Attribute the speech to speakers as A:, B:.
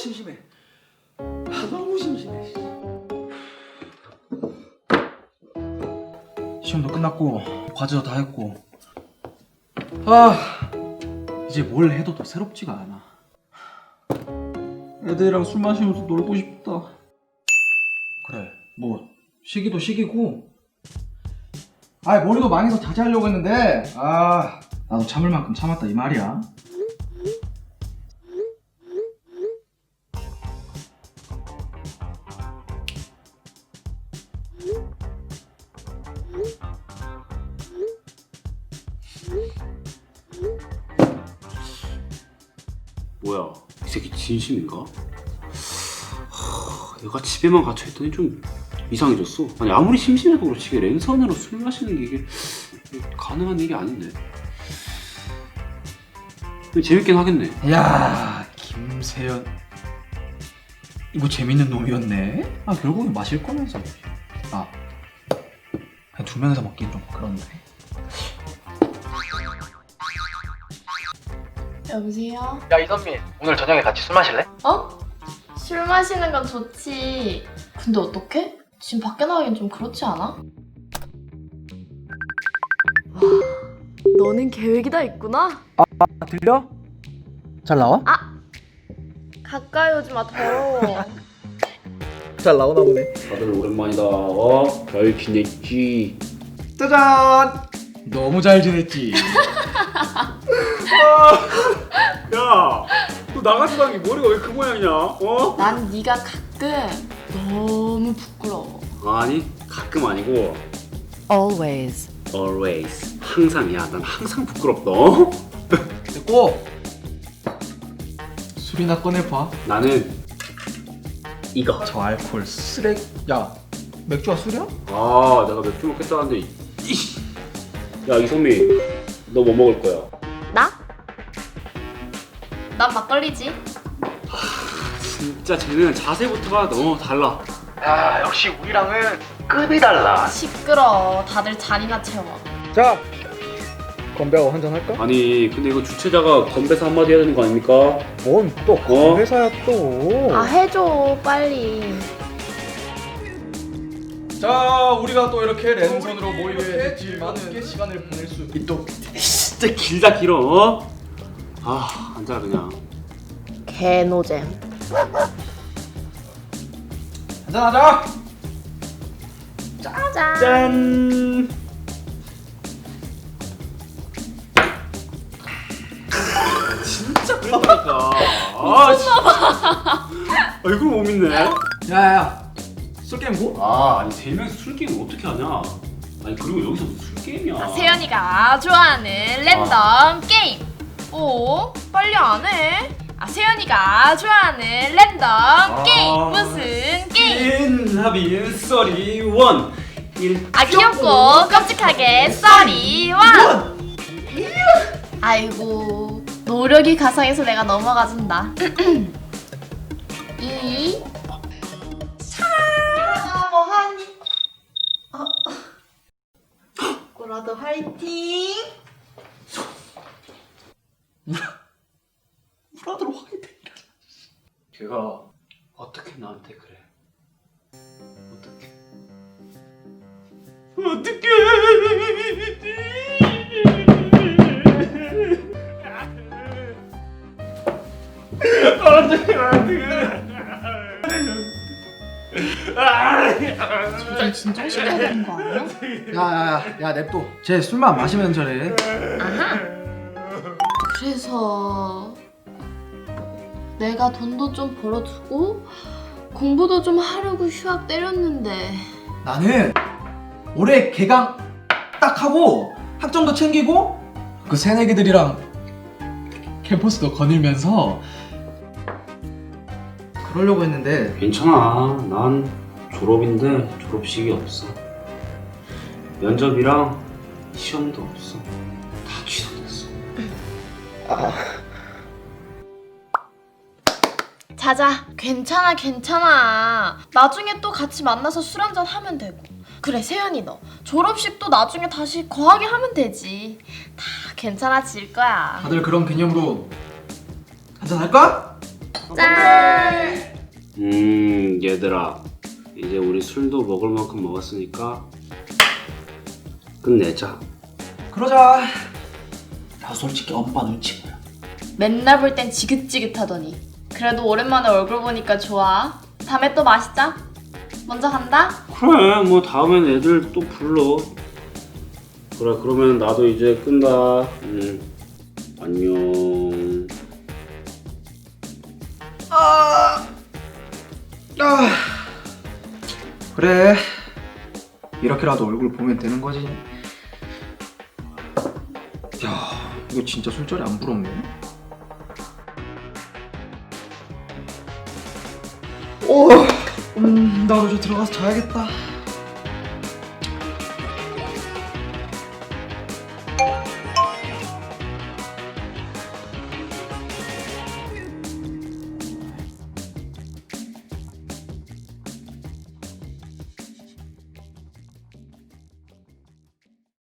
A: 심심해. 너무 심심해. 시험도 끝났고 과제도 다 했고 이제 뭘 해도 더 새롭지가 않아. 애들이랑 술 마시면서 놀고 싶다. 그래, 뭐 시기도 시기고 머리도 망해서 자제하려고 했는데 나도 참을 만큼 참았다 이 말이야.
B: 뭐야, 이 새끼 진심인가? 얘가 집에만 갇혀있더니 좀 이상해졌어. 아니 아무리 심심해도 그렇지 랜선으로 술 마시는 게 이게 가능한 일이 아닌데. 근데 재밌긴 하겠네.
A: 야, 김세연 이거 재밌는 놈이었네. 결국엔 마실 거면서 그냥 두 명이서 먹긴 좀 그런데.
C: 여보세요?
A: 야, 이선미, 오늘 저녁에 같이 술 마실래?
C: 어? 술 마시는 건 좋지. 근데 어떡해? 지금 밖에 나가긴 좀 그렇지 않아? 와, 너는 계획이 다 있구나?
A: 들려? 잘 나와?
C: 가까이 오지 마, 더러워.
A: 잘 나오나 보네.
B: 다들 오랜만이다. 별 지냈지?
A: 짜잔! 너무 잘 지냈지?
B: 야, 너 나가서 가는 게 머리가 왜 그 모양이냐?
C: 난 네가 가끔 너무 부끄러워.
B: 아니, 가끔 아니고
D: Always.
B: always. 항상이야. 난 항상 부끄럽다.
A: 됐고 술이나 꺼내봐.
B: 나는 이거.
A: 저 알코올 쓰레기. 야, 맥주가 술이야?
B: 내가 맥주 먹겠다는데. 야, 이선미, 너 뭐 먹을 거야?
C: 나? 난 막걸리지.
B: 진짜 쟤는 자세부터가 너무 달라.
A: 야, 역시 우리랑은 급이 달라.
C: 시끄러. 다들 잔이나 채워.
A: 자, 건배하고 한잔 할까?
B: 아니, 근데 이거 주최자가 건배사 한마디 해야 되는 거 아닙니까?
A: 뭔 또 건배사야 또.
C: 해줘, 빨리.
A: 자, 우리가 또 이렇게 랜선으로 모이게 됐지만은 시간을 보낼 수 있도록.
B: 진짜 길다 길어. 앉아 그냥.
C: 개노잼.
A: 한잔하자.
C: 짠.
B: 짠. 진짜 그렇다니까. 미쳤나봐. 이걸 못 믿네.
A: 야야야, 술 게임 뭐?
B: 아니 세 명이서 술 게임 어떻게 하냐? 아니 그리고 여기서 무슨 술 게임이야?
C: 세연이가 좋아하는 랜덤 게임. 오, 빨리 안 해. 세연이가 좋아하는 랜덤 게임. 무슨 게임?
B: 인하빈 썰이 원.
C: 귀엽고 깜찍하게 썰이 원. 아이고, 노력이 가상해서 내가 넘어가준다. 이 뭐하니? 꼬라도 화이팅!
B: 브라더로 화이팅. 걔가 어떻게 나한테 그래? 어떻게?
C: 좀 진정시켜야 되는 거 아니야?
A: 야, 냅둬. 쟤 술만 마시면 저래.
C: 아하. 그래서 내가 돈도 좀 벌어두고 공부도 좀 하려고 휴학 때렸는데
A: 나는 올해 개강 딱 하고 학점도 챙기고 그 새내기들이랑 캠퍼스도 거닐면서 그러려고 했는데.
B: 괜찮아. 난 졸업인데 졸업식이 없어. 면접이랑 시험도 없어. 다 취소됐어.
C: 자자, 괜찮아. 나중에 또 같이 만나서 술 한잔 하면 되고. 그래, 세연이 너 졸업식도 나중에 다시 거하게 하면 되지. 다 괜찮아질 거야.
A: 다들 그런 개념으로 한잔 할까?
C: 짠!
B: 얘들아, 이제 우리 술도 먹을 만큼 먹었으니까 끝내자.
A: 그러자. 나 솔직히 엄마 눈치 보여.
C: 맨날 볼 땐 지긋지긋하더니 그래도 오랜만에 얼굴 보니까 좋아. 다음에 또 마시자. 먼저 간다.
B: 그래, 뭐 다음엔 애들 또 불러. 그래, 그러면 나도 이제 끈다. 안녕.
A: 그래. 이렇게라도 얼굴 보면 되는 거지. 야, 이거 진짜 술자리 안 부럽네. 나도 저 들어가서 자야겠다.